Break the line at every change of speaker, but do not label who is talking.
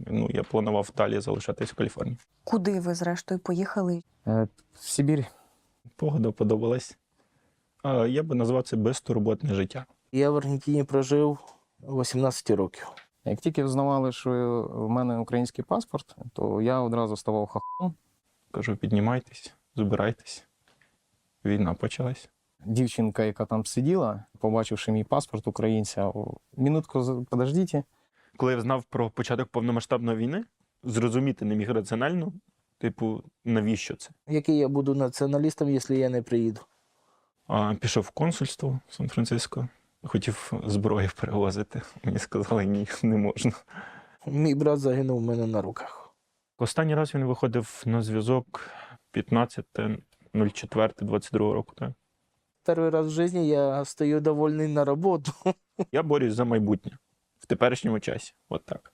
Ну, я планував далі залишатись в Каліфорнії.
Куди ви, зрештою, поїхали?
В Сибирь.
Погода подобалась. Я би назвав це безтурботне життя.
Я в Аргентині прожив 18 років.
Як тільки взнавали, що в мене український паспорт, то я одразу ставав хахом.
Кажу, піднімайтесь, збирайтесь. Війна почалась.
Дівчинка, яка там сиділа, побачивши мій паспорт українця, минутку, подождіть.
Коли я знав про початок повномасштабної війни, зрозуміти не міг раціонально, типу, навіщо це?
Який я буду націоналістом, якщо я не приїду?
Пішов в консульство в Сан-Франциско, хотів зброю перевозити. Мені сказали, ні, не можна.
Мій брат загинув у мене на руках.
Останній раз він виходив на зв'язок 15.04.22 року. Так?
Перший раз в житті я стою довольний на роботу.
Я борюсь за майбутнє в теперішньому часі. От так.